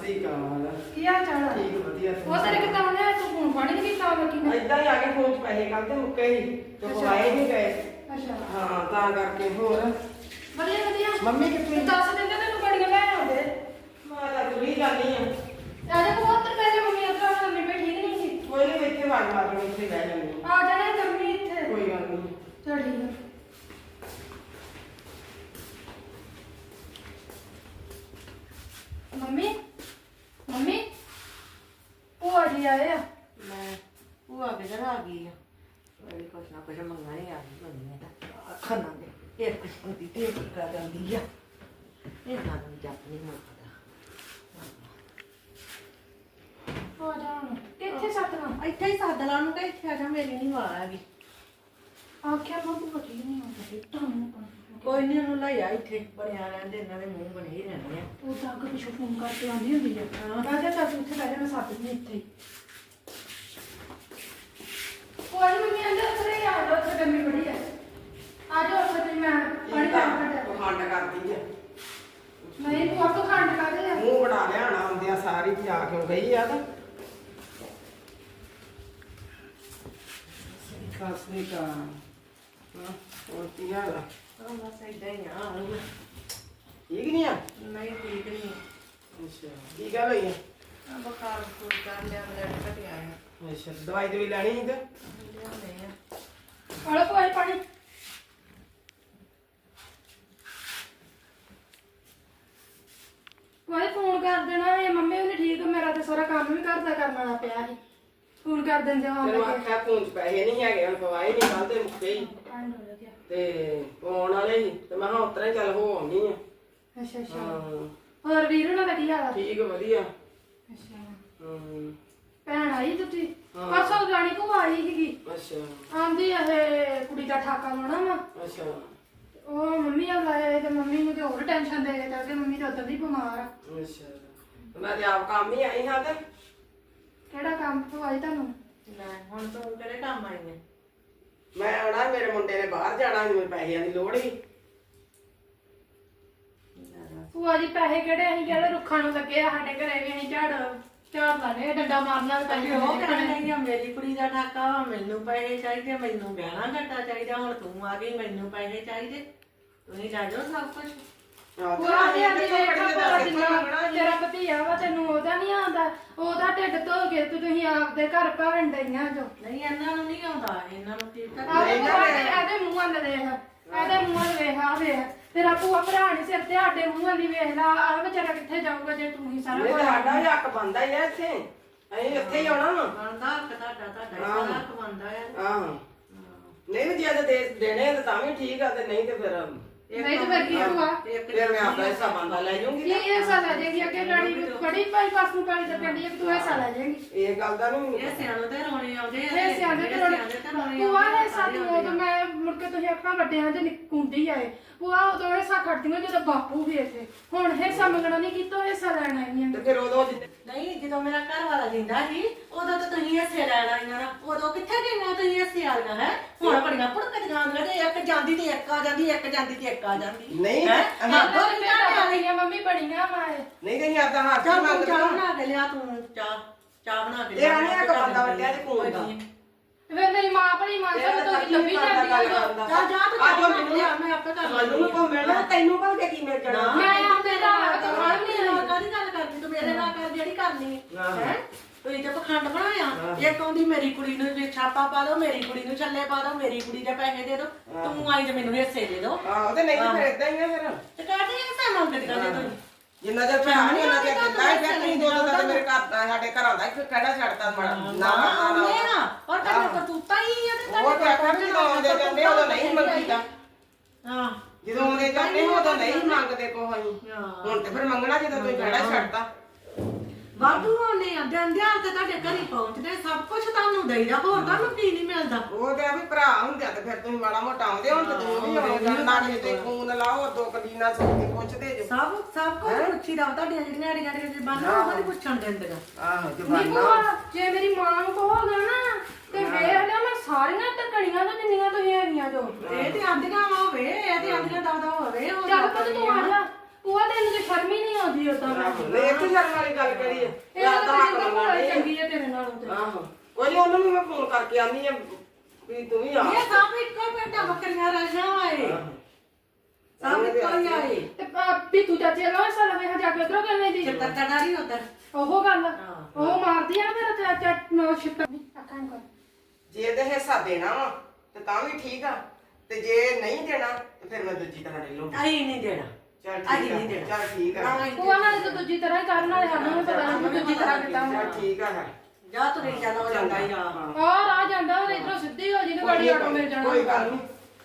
ਸ੍ਰੀ ਅਕਾਲ। ਕੀ ਹਾਲ ਚਾਲ ਆ? ਠੀਕ ਵਧੀਆ। ਉਹ ਤੇਰੇ ਕਿੱਦਾਂ ਆਉਣਾ ਤੂੰ ਫੋਨ ਫੜ ਨਹੀਂ ਕੀਤਾ ਲੱਗੀ ਨਾ? ਏਦਾਂ ਹੀ ਆ ਕੇ ਫੋਨ 'ਚ ਪੈਸੇ ਕੱਢਦੇ ਮੁੱਕੇ ਹੀ ਤੇ ਪਵਾਏ ਨਹੀਂ ਗਏ। ਅੱਛਾ ਹਾਂ ਤਾਂ ਕਰਕੇ ਹੋਰ ਵਧੀਆ ਵਧੀਆ। ਮੰਮੀ ਕਿੱਥੇ? ਤੂੰ ਦੱਸ ਦਿੰਦੇ ਤੈਨੂੰ ਬੜੀਆਂ ਲੈ ਆਉਂਦੇ। ਮੈਂ ਤਾਂ ਤੁਰੀ ਜਾਂਦੀ ਆ। ਆਜਾ ਬਹੁਤ ਪਹਿਲੇ ਮੰਮੀ ਉਧਰ ਮੰਮੀ ਬੈਠੀ ਠੀਕ ਨਹੀਂ ਸੀ। ਕੋਈ ਨਹੀਂ ਇੱਥੇ ਵੜ ਮਾਰ ਕੇ ਇੱਥੇ ਬਹਿ ਜਾਂਦੀ ਆ ਜਾਣਾ ਜੰਮੀ ਇੱਥੇ। ਕੋਈ ਗੱਲ ਨਹੀਂ। ਚਲ ਠੀਕ ਆ। ਮੰਮੀ ਮੰਮੀ ਭੂਆ ਜੀ ਆਏ ਆ। ਮੈਂ ਭੂਆ ਕਿਧਰ ਆ ਗਈ ਆ? ਮੇਰੀ ਕੁਛ ਨਾ ਕੁਛ ਮੰਗਣਾ ਹੀ ਆ ਗਈ ਬੰਦੀ ਤਾਂ ਅੱਖਾਂ ਨਾਲ ਦੇ ਇੱਕ ਕਿਸਮ ਦੀ ਢੇਰ ਕਰ ਜਾਂਦੀ ਆ। ਇਹ ਨਾਲ ਜੱਪ ਨਹੀਂ ਮੁੱਕਦਾ। ਆ ਜਾ ਹੁਣ ਕਿੱਥੇ ਸੱਤਣਾ? ਇੱਥੇ ਹੀ ਸੱਦ ਲਾ ਨੂੰ ਕਿ ਇੱਥੇ ਆ ਜਾ, ਮੇਰੀ ਨਹੀਂ ਵਾਰ ਹੈਗੀ। ਆਖਿਆ ਮੈਂ ਭੂਆ ਜੀ ਨਹੀਂ ਆਉਂਦਾ ਤੁਹਾਨੂੰ ਕੋਈ ਨਹੀਂ, ਉਹਨੂੰ ਲੈ ਆ ਇੱਥੇ ਬਣਿਆ ਰਹਿੰਦੇ, ਇਹਨਾਂ ਦੇ ਮੂੰਹ ਬਣੇ ਹੀ ਰਹਿੰਦੇ ਆ। ਉਹ ਤਾਂ ਅੱਗੇ ਪਿੱਛੋਂ ਫੋਨ ਕਰਕੇ ਆਉਂਦੀ ਹੁੰਦੀ ਆ। ਮੈਂ ਕਿਹਾ ਚੱਲ ਉੱਥੇ ਬਹਿ ਜਾ, ਮੈਂ ਸੱਦ ਦਿੰਦੀ ਇੱਥੇ ਹੀ। ਕੋਈ ਮੰਮੀ ਆਂਦੇ ਉੱਥੇ ਆ ਜਾ, ਉੱਥੇ ਗਰਮੀ ਬੜੀ ਆ। ਆ ਜਾ ਉੱਥੇ ਤੇ ਮੈਂ ਪਾਣੀ ਪਾ ਕੇ ਪਖੰਡ ਕਰਦੀ ਆ। ਨਹੀਂ ਤੂੰ ਆਪੋ ਖੰਡ ਕਾਦੇ ਆ? ਮੂੰਹ ਬਣਾ ਲਿਆਣਾ ਆਉਂਦਿਆਂ ਸਾਰੀ ਤੇ ਆ ਕਿਉਂ ਗਈ ਆ ਤਾਂ ਸਤਿ ਸ੍ਰੀ ਅਕਾਲ। ਹਾਂ ਹੋਰ ਕੀ ਹਾਲ ਆ? ਹਾਂ ਬਸ ਏਦਾਂ ਹੀ ਆ। ਠੀਕ ਨਹੀਂ ਆ? ਨਹੀਂ ਠੀਕ ਨਹੀਂ। ਅੱਛਾ ਕੀ ਗੱਲ ਹੋਈ ਆ? ਬੁਖਾਰ ਬਖੂਰ ਕਰ ਲਿਆ, ਬਲੱਡ ਘਟਿਆ ਆ। ਅੱਛਾ ਦਵਾਈ ਦਵਾਈ ਲੈਣੀ ਸੀ ਤੇ ਲਿਆਉਣੇ ਆ। ਹਲੋ ਕੋਈ ਪਾਣੀ। ਕੋਈ ਫੋਨ ਕਰ ਦੇਣਾ ਇਹ ਮੰਮੀ ਉਹਨੇ ਠੀਕ, ਮੇਰਾ ਤੇ ਸਾਰਾ ਕੰਮ ਵੀ ਘਰ ਦਾ ਕਰਨਾ ਪਿਆ ਸੀ। ਫੋਨ ਕਰ ਦਿੰਦੇ ਹਾਂ ਤੈਨੂੰ ਆਖਿਆ ਫੋਨ 'ਚ ਪੈਸੇ ਨਹੀਂ ਹੈਗੇ, ਹੁਣ ਪਵਾਏ ਨਹੀਂ ਕੱਲ ਤੇ ਮੁੱਕੇ ਹੀ ਤੇ ਪਾਉਣ ਵਾਲੇ ਸੀ ਤੇ ਮੈਂ ਕਿਹਾ ਉਤਰਾ ਹੀ ਚੱਲ ਹੋ ਆਉਣੀ ਆ। ਅੱਛਾ ਅੱਛਾ। ਹਾਂ ਹੋਰ ਵੀਰ ਉਹਨਾਂ ਦਾ ਕੀ ਹਾਲ ਆ? ਠੀਕ ਵਧੀਆ। ਅੱਛਾ ਹੂੰ ਭੈਣ ਆਈ ਤੁਸੀਂ? ਹਾਂ। ਪਰਸੋਂ ਜਾਣੀ ਕੋ ਆਈ ਸੀਗੀ। ਅੱਛਾ ਆਂਦੀ ਇਹ ਕੁੜੀ ਦਾ ਠਾਕਾ ਲਾਉਣਾ ਵਾ। ਅੱਛਾ ਉਹ ਮੰਮੀ ਆ ਲਾਇਆ ਤੇ ਮੰਮੀ ਨੂੰ ਤੇ ਹੋਰ ਟੈਨਸ਼ਨ ਦੇ ਕੇ ਤੇ ਮੰਮੀ ਤਾਂ ਉਦੋਂ ਦੀ ਬਿਮਾਰ ਆ। ਅੱਛਾ ਤੇ ਮੈਂ ਤੇ ਆਪ ਕੰਮ ਹੀ ਆਈ ਹਾਂ ਤੇ ਕਿਹੜਾ ਕੰਮ ਤੋਂ ਆਈ ਤੁਹਾਨੂੰ? ਲੈ ਹੁਣ ਤੂੰ ਕਿਹੜੇ ਕੰਮ ਆਈ ਹੈ? ਮੈਂ ਆਉਣਾ, ਮੇਰੇ ਮੁੰਡੇ ਨੇ ਬਾਹਰ ਜਾਣਾ, ਮੈਨੂੰ ਪੈਸਿਆਂ ਦੀ ਲੋੜ ਸੀ। ਭੂਆ ਜੀ ਪੈਸੇ ਕਿਹੜੇ ਅਸੀਂ ਕਿਹੜੇ ਰੁੱਖਾਂ ਨੂੰ ਲੱਗੇ ਆ? ਸਾਡੇ ਘਰੇ ਵੀ ਅਸੀਂ ਝਾੜ ਲਾਣੇ ਡੰਡਾ ਮਾਰਨਾ ਤੇ ਪੈਸੇ ਉਹ ਕਹਿੰਦੀ ਆ ਮੇਰੀ ਕੁੜੀ ਦਾ ਠਾਕਾ ਵਾ, ਮੈਨੂੰ ਪੈਸੇ ਚਾਹੀਦੇ, ਮੈਨੂੰ ਗਹਿਣਾ ਘੱਟਾ ਚਾਹੀਦਾ। ਹੁਣ ਤੂੰ ਆ ਗਈ, ਮੈਨੂੰ ਪੈਸੇ ਚਾਹੀਦੇ। ਤੁਸੀਂ ਲੈ ਜਾਓ ਸਭ ਕੁਝ। ਭੂਆ ਜੀ ਆਂਦੀ ਵੇਖਾ ਭੂਆ ਜਿੰਨਾ ਤੇਰਾ ਭਤੀਆ ਵਾ ਤੈਨੂੰ ਉਹਦਾ ਨਹੀਂ ਆਉਂਦਾ, ਉਹਦਾ ਢਿੱਡ ਧੋ ਕੇ ਤੇ ਤੁਸੀਂ ਆਪਦੇ ਘਰ ਭਰਨ ਡਈਆਂ ਜੋ। ਨਹੀਂ ਇਹਨਾਂ ਨੂੰ ਨਹੀਂ ਆਉਂਦਾ, ਇਹਨਾਂ ਨੂੰ ਠੀਕ ਆ। ਇਹਦੇ ਮੂੰਹਾਂ ਦੇ ਦੇਖ, ਇਹਦੇ ਮੂੰਹਾਂ ਦੇ ਵੇਖ ਆ ਵੇਖ, ਤੇਰਾ ਭੂਆ ਭਰਾ ਨਹੀਂ ਸਿਰ ਤੇ ਸਾਡੇ ਮੂੰਹਾਂ ਦੀ ਵੇਖ ਲਾ। ਆ ਵਿਚਾਰਾ ਕਿੱਥੇ ਜਾਊਗਾ ਜੇ ਤੂੰ ਹੀ ਸਾਰਾ ਇਹ ਕੁਝ ਸਾਡਾ ਵੀ ਹੱਕ ਬਣਦਾ ਹੀ ਆ ਇੱਥੇ, ਅਸੀਂ ਇੱਥੇ ਹੀ ਆਉਣਾ ਵਾ। ਬਣਦਾ ਹੱਕ ਤੁਹਾਡਾ ਹੱਕ ਬਣਦਾ ਆ। ਆਹੋ ਨਹੀਂ ਜੇ ਤੇ ਦੇਣੇ ਤੇ ਤਾਂ ਵੀ ਠੀਕ ਆ, ਤੇ ਨਹੀਂ ਤੇ ਫਿਰ ਨਹੀਂ ਤੇ ਫਿਰ ਕੀ ਹੋਊਗਾ? ਫਿਰ ਮੈਂ ਆਪਣਾ ਹਿੱਸਾ ਬੰਦਾ ਲੈ ਜਾਊਂਗੀ। ਕੀ ਹਿੱਸਾ ਲੈ ਜਾਏਗੀ? ਅੱਗੇ ਗਾੜੀ ਬੜੀ ਪਾਈ ਪਾਸ ਨੂੰ ਪਾਣੀ ਤੇ ਪੈਂਦੀ ਹੈ ਕਿ ਤੂੰ ਹਿੱਸਾ ਲੈ ਜਾਏਗੀ। ਇਹ ਗੱਲ ਦਾ ਨਹੀਂ ਇਹ ਸਿਆਣੋ ਤੇ ਰੋਣੇ ਆਉਂਦੇ ਆ। ਇਹ ਸਿਆਣੇ ਤੇ ਭੂਆ ਨੇ ਸਾਡੀ ਉਦੋਂ ਮੈਂ ਮੁੜ ਕੇ ਤੁਸੀਂ ਆਪਣਾ ਵੱਡਿਆਂ ਦੇ ਨਿਕੁੰਦੀ ਆਏ। ਭੂਆ ਉਦੋਂ ਹਿੱਸਾ ਖੜਦੀਆਂ ਜਦੋਂ ਬਾਪੂ ਵੀ ਇੱਥੇ। ਹੁਣ ਹਿੱਸਾ ਮੰਗਣਾ ਨਹੀਂ ਕੀਤਾ, ਹਿੱਸਾ ਲੈਣਾ ਹੀ ਤੇ ਫਿਰ ਉਦੋਂ ਨਹੀਂ, ਜਦੋਂ ਮੇਰਾ ਘਰ ਵਾਲਾ ਜਿੰਦਾ ਸੀ ਉਦੋਂ ਤਾਂ ਤੁਸੀਂ ਹਿੱਸੇ ਲੈ ਲੈਣਾ ਨਾ। ਉਦੋਂ ਕਿੱਥੇ ਗਈਆਂ ਤੁਸੀਂ ਹਿੱਸੇ ਵਾਲੀਆਂ? ਹੈ ਹੁਣ ਬੜੀਆਂ ਭੁੜਕਦੀਆਂ ਆਉਂਦੀਆਂ ਤੇ ਇੱਕ ਜਾਂਦੀ ਤੇ ਇੱਕ ਆ ਜਾਂਦੀ, ਇੱਕ ਜਾਂਦੀ ਤੇ ਇੱਕ ਆ ਜਾਂਦੀ। ਨਹੀਂ ਮੰਮੀ ਬੜੀਆਂ ਮਾਏ ਨਹੀਂ ਕਹੀਂ ਆਦਾ ਹੱਥ ਚਾਹ ਮੰਗ ਬਣਾ ਕੇ ਲਿਆ ਤੂੰ। ਚਾਹ ਬਣਾ ਕੇ ਇਹ ਆਨੇ ਆ ਕਬੰਦਾ ਵੱਡਿਆ ਤੇ ਕੋਲ ਦਾ ਵੇ ਮੇਰੀ ਮਾਂ ਭਲੀ ਮਾਂ ਤੋਂ ਲੱਭੀ ਜਾਂਦੀ ਆ। ਜਾ ਤੂੰ ਮੈਨੂੰ ਲਿਆ, ਮੈਂ ਆਪੇ ਕਰ ਮੈਨੂੰ ਨੂੰ ਕੋ ਮਿਲਣਾ, ਤੈਨੂੰ ਭਲ ਕੇ ਕੀ ਮਿਲ ਜਾਣਾ? ਮੈਂ ਆਪਦੇ ਨਾਲ ਕਾਹਦੀ ਗੱਲ ਕਰਦੀ ਤੂੰ? ਮੇਰੇ ਨਾਲ ਕਰ ਜਿਹੜੀ ਕਰਨੀ ਹੈ। ਤੁਸੀਂ ਤੇ ਪਖੰਡ ਬਣਾਇਆ। ਇੱਕ ਆਉਂਦੀ ਮੇਰੀ ਕੁੜੀ ਨੂੰ ਵੀ ਛਾਪਾ ਪਾ ਦੋ, ਮੇਰੀ ਕੁੜੀ ਨੂੰ ਛੱਲੇ ਪਾ ਦੋ, ਮੇਰੀ ਕੁੜੀ ਦੇ ਪੈਸੇ ਦੇ ਦੋ। ਤੂੰ ਆਈ ਤੇ ਮੈਨੂੰ ਹਿੱਸੇ ਦੇ ਦੋ। ਆਹੋ ਤੇ ਨਹੀਂ ਫਿਰ ਇਦਾਂ ਹੀ ਆ ਫਿਰ। ਤੇ ਕਹਿੰਦੇ ਹਿੱਸਾ ਮੰਗਦੀਆਂ ਜੇ ਤੁਸੀਂ। ਜਿੰਨਾ ਚਿਰ ਭਰਾ ਨਹੀਂ ਉਹਨਾਂ ਚਿਰ ਦਿੰਦਾ ਹੈ। ਫਿਰ ਤੁਸੀਂ ਦੋ ਤਾਂ ਮੇਰੇ ਘਰ ਦਾ ਸਾਡੇ ਘਰਾਂ ਦਾ ਇੱਕ ਕਿਹੜਾ ਛੱਡਤਾ ਨਾ ਨਾ ਔਰ ਤੈਨੂੰ ਕਰਤੂਤਾ ਹੀ ਆ ਤੇ ਉਹ ਤੇ ਆਖਾਂ ਵੀ ਜਦੋਂ ਆਉਂਦੇ ਜਾਂਦੇ ਉਦੋਂ ਨਹੀਂ ਮੰਗੀਦਾ। ਹਾਂ ਜਦੋਂ ਆਉਂਦੇ ਜਾਂਦੇ ਉਦੋਂ ਨਹੀਂ ਮੰਗਦੇ ਕੋਹ ਅਸੀਂ। ਹੁਣ ਤੇ ਫਿਰ ਮੰਗਣਾ ਜਦੋਂ ਤੁਸੀਂ ਕਿਹੜਾ ਛੱਡਤਾ। ਵਾਧੂ ਹੋਣੇ ਆ ਦਿਨ ਦਿਹਾੜ ਤੇ ਤੁਹਾਡੇ ਘਰੇ ਪਹੁੰਚਦੇ, ਸਭ ਕੁਝ ਤੁਹਾਨੂੰ ਦੇਈਦਾ। ਹੋਰ ਤੁਹਾਨੂੰ ਕੀ ਨਹੀਂ ਮਿਲਦਾ? ਉਹ ਤੇ ਆ ਵੀ ਭਰਾ ਹੁੰਦੇ ਆ ਤੇ ਫਿਰ ਤੁਸੀਂ ਮਾੜਾ ਮੋਟਾ ਆਉਂਦੇ ਹੁਣ ਤੇ ਤੁਸੀਂ ਵੀ ਆਉਂਦੇ ਨਾ ਕਿਤੇ ਖੂਨ ਲਾਓ, ਦੋ ਕਦੀਨਾ ਸੋਚ ਕੇ ਪੁੱਛਦੇ ਜੋ। ਸਭ ਕੁਝ ਪੁੱਛੀਦਾ। ਤੁਹਾਡੀਆਂ ਜਿਹੜੀਆਂ ਅੜੀਆਂ ਜ਼ਬਾਨਾਂ ਉਹ ਨਹੀਂ ਪੁੱਛਣ ਦਿੰਦੀਆਂ। ਆਹੋ ਨਹੀਂ ਜਵਾਨਾ ਭੂਆ ਜੇ ਮੇਰੀ ਮਾਂ ਨੂੰ ਕਹੋਗਾ ਨਾ ਤੇ ਵੇਖ ਲਿਆ ਮੈਂ ਸਾਰੀਆਂ ਟਕਣੀਆਂ ਤੋਂ ਜਿੰਨੀਆਂ ਤੁਸੀਂ ਹੈਗੀਆਂ ਜੋ। ਇਹ ਤੇ ਆਂਦੀਆਂ ਹੋਵੇ, ਇਹ ਤੇ ਆਂਦੀਆਂ ਦਵਦਾ ਹੋਵੇ। ਚੱਲ ਪੁੱਤ ਤੂੰ ਆ ਜਾ, ਭੂਆ ਤੈਨੂੰ ਤੇ ਸ਼ਰਮ ਹੀ ਨਹੀਂ ਆਉਂਦੀ ਉਦਾਂ ਨਹੀਂ ਇੱਥੇ ਸ਼ਰਮ ਵਾਲੀ ਗੱਲ ਕਰੀ ਹੈ ਇਹ ਤਾਂ ਜਿੰਦਾ ਭੂਆ ਚੰਗੀ ਹੈ ਤੇਰੇ ਨਾਲੋਂ ਤੇ ਆਹੋ ਕੋਈ ਨੀ, ਉਹਨੂੰ ਵੀ ਮੈਂ ਫੋਨ ਕਰਕੇ ਆਨੀ ਆ ਵੀ ਤੂੰ ਵੀ ਆ ਇਹ ਸਭ ਇੱਕੋ ਹੀ ਪਿੰਡ ਬੱਕਰੀਆਂ ਰਾਜਾਂ ਆਏ ਸਭ ਇੱਕੋ ਹੀ ਆਏ ਤੇ ਵੀ ਤੂੰ ਚਾਚੇ ਨਾਲ ਸਾਲਾ ਵੇਖ ਜਾ ਕੇ ਉਧਰੋਂ ਕਹਿੰਦੇ ਜੀ ਚਿੱਤਰ ਚੜਾਰੀ ਉਧਰ ਉਹ ਗੱਲ ਉਹ ਮਾਰਦੀ ਆ ਨਾ ਮੇਰਾ ਚਾਚਾ ਨੋ ਛਿੱਤਰ ਅੱਖਾਂ ਕਰ ਜੇ ਇਹਦੇ ਹਿੱਸਾ ਦੇਣਾ ਵਾ ਤੇ ਤਾਂ ਵੀ ਠੀਕ ਆ ਤੇ ਜੇ ਨਹੀਂ ਦੇਣਾ ਤੇ ਫਿਰ ਮੈਂ ਦੂਜੀ ਤਰ੍ਹਾਂ ਲੈ ਲੂੰ ਅਸੀਂ ਨਹੀਂ ਦੇਣਾ ਚੱਲ ਅਸੀਂ ਠੀਕ ਨਹੀਂ ਆ ਦੇਣਾ ਚੱਲ ਠੀਕ ਆ ਭੂਆ ਨਾਲ ਤਾਂ ਦੂਜੀ ਤਰ੍ਹਾਂ ਹੀ ਕਰਨ ਵਾਲੇ ਸਾਨੂੰ ਵੀ ਪਤਾ ਨਹੀਂ ਦੂਜੀ ਤਰ੍ਹਾਂ ਕਿਦਾਂ ਚੱਲ ਠੀਕ ਆ ਹੈ ਜਾ ਤੁਰੇ ਚੱਲ ਹੋ ਜਾਂਦਾ ਹੀ ਆ ਔਰ ਆ ਜਾਂਦਾ ਉਹ ਇਧਰੋਂ ਸਿੱਧੀ ਹੋ ਜੀ ਤੇ ਗਾੜੀ ਆਟੋ ਮਿਲ ਜਾਣਾ ਕੋਈ ਗੱਲ ਨਹੀਂ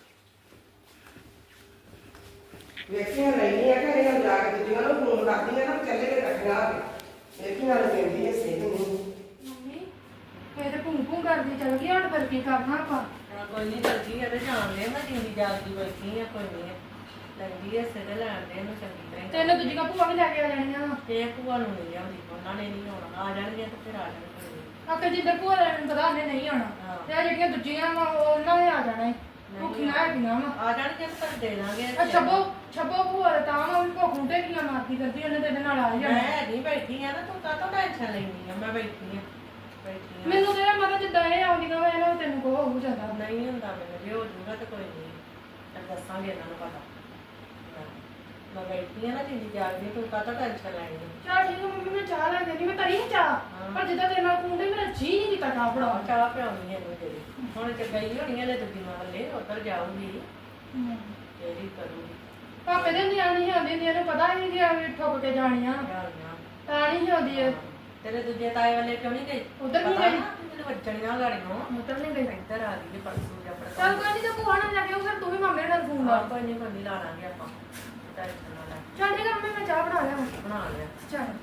ਵੇਖੀਆਂ ਨਹੀਂ ਆ ਘਰੇ ਹੁਣ ਜਾ ਕੇ ਦੂਜੀਆਂ ਨੂੰ ਫੋਨ ਕਰਦੀ ਆ ਨਾ ਚੱਲੇ ਕੇ ਰੱਖਣਾ ਵੇਖੀਆਂ ਨਾਲ ਪੈਂਦੀ ਹੈ ਸੇਧ ਨਹੀਂ ਮੰਮੀ ਇਹ ਤੇ ਭੂੰ ਭੂੰ ਕਰਦੀ ਚੱਲ ਗਈ ਹੁਣ ਫਿਰ ਕੀ ਕਰਨਾ ਆਪਾਂ ਕੋਈ ਨਹੀਂ ਜਲਦੀ ਇਹਦੇ ਜਾਣ ਦੇ ਮੈਂ ਜਿੰਦੀ ਜਾਗਦੀ ਬੈਠੀ ਆ ਕੋਈ ਨਹੀਂ ਲੱਗਦੀ ਐ ਸਿਰ ਲੈਣ ਦੇ ਇਹਨੂੰ ਚੰਗੀ ਤਰ੍ਹਾਂ ਤੈਨੂੰ ਦੂਜੀਆਂ ਭੂਆ ਵੀ ਲੈ ਕੇ ਆ ਜਾਣੀਆਂ ਵਾ ਤੇ ਭੂਆ ਨੂੰ ਨਹੀਂ ਲਿਆਉਂਦੀ ਉਹਨਾਂ ਨੇ ਨਹੀਂ ਆਉਣਾ ਆ ਜਾਣਗੇ ਤੇ ਫਿਰ ਆ ਜਾਣਗੇ ਆਕੇ ਜਿੱਦਾਂ ਭੂਆ ਲੈਣ ਨੂੰ ਪਤਾ ਉਹਨੇ ਨਹੀਂ ਆਉਣਾ ਤੇ ਆ ਜਿਹੜੀਆਂ ਦੂਜੀਆਂ ਵਾ ਉਹਨਾਂ ਨੇ ਆ ਜਾਣਾ ਈ ਭੁੱਖੀਆਂ ਹੈਗੀਆਂ ਵਾ ਆ ਜਾਣਗੇ ਤੇ ਦੇ ਦਾਂਗੇ ਆ ਛੱਬੋ ਭੂਆ ਦਾ ਤਾਂ ਵਾ ਵੀ ਭੁੱਖ ਨੂੰ ਢੇਕੀਆਂ ਮਾਰਦੀ ਕਰਦੀ ਉਹਨੇ ਤੇਰੇ ਨਾਲ ਆ ਹੀ ਜਾਣਾ ਮੈਂ ਨਹੀਂ ਬੈਠੀ ਆ ਨਾ ਤੂੰ ਕਾਹਤੋਂ ਟੈਨਸ਼ਨ ਲੈਂਦੀ ਆ ਮੈਂ ਬੈਠੀ ਆ ਮੈਨੂੰ ਤੇਰਾ ਮਤਲਬ ਜਿੱਦਾਂ ਇਹ ਆਉਂਦੀਆਂ ਵਾ ਇਹਨਾਂ ਨੂੰ ਤੈਨੂੰ ਕੋ ਹੋ ਜਾਂਦਾ ਨਹੀਂ ਹੁੰਦਾ ਮੈਨੂੰ ਜੇ ਹੋ ਜੂਗਾ ਤੇ ਕੋਈ ਨਹੀਂ ਤਾਂ ਦੱਸਾਂਗੇ ਇਹਨਾਂ ਨੂੰ ਪਤਾ ਮੈਂ ਬੈਠੀ ਆ ਨਾ ਜਿੰਦੀ ਜਾਗਦੀ ਤੂੰ ਕਾਹਤੋਂ ਟੈਨਸ਼ਨ ਲੈਣੀ ਚਲ ਠੀਕ ਹੈ ਮੰਮੀ ਮੈਂ ਚਾਹ ਲੈ ਦੇਣੀ ਮੈਂ ਕਰੀ ਨੀ ਚਾਹ ਪਰ ਜਿੱਦਾਂ ਤੇਰੇ ਨਾਲ ਕੁੰਡੇ ਮੇਰਾ ਜੀ ਨਹੀਂ ਕੀਤਾ ਚਾਹ ਫੜਾ ਚਾਹ ਪਿਆਉਣੀ ਹੈ ਤੇਰੀ ਹੁਣ ਤੇ ਗਈ ਹੋਣੀ ਹੈ ਦੂਜੀ ਵੱਲੇ ਉੱਧਰ ਜਾਊਗੀ ਤੇਰੀ ਕਰੂਗੀ ਪਾਪੇ ਦੇ ਨਿਆਣੀ ਆਉਂਦੀ ਨੇ ਇਹਨੂੰ ਪਤਾ ਹੀ ਨਹੀਂ ਕਿ ਐਵੇਂ ਠੁੱਕ ਕੇ ਜਾਣੀਆਂ ਤਾਂ ਨਹੀਂ ਆਉਂਦੀ ਇਹ ਤੇਰੇ ਦੂਜੇ ਤਾਏ ਵੱਲੇ ਕਿਉਂ ਨਹੀਂ ਗਈ ਉਧਰ ਨਹੀਂ ਗਈ ਮੈਨੂੰ ਵੱਜਣੀ ਨਾ ਗਾੜੀਆਂ ਉਧਰ ਨਹੀਂ ਗਈ ਇੱਧਰ ਆ ਗਈ ਪਰਸੋਂ ਜਾਂ ਆਪਣਾ ਚੱਲ ਕੋਈ ਨਹੀਂ ਤੇ ਭੂਆ ਨਾਲ ਜਾ ਕੇ ਉਹ ਫਿਰ ਤੂੰ ਵੀ ਮਾਮੇ ਨਾਲ ਫੋਨ ਲਾ ਕੋਈ ਨਹੀਂ ਲਾ ਲਾਂਗੇ ਆਪਾਂ ਟੈਨਸ਼ਨ ਨਾ ਲੈ ਚੱਲ ਠੀਕ ਹੈ ਮੰਮੀ ਮੈਂ ਚਾਹ ਬਣਾ ਲਿਆ ਬਣਾ ਲਿਆ ਚੱਲ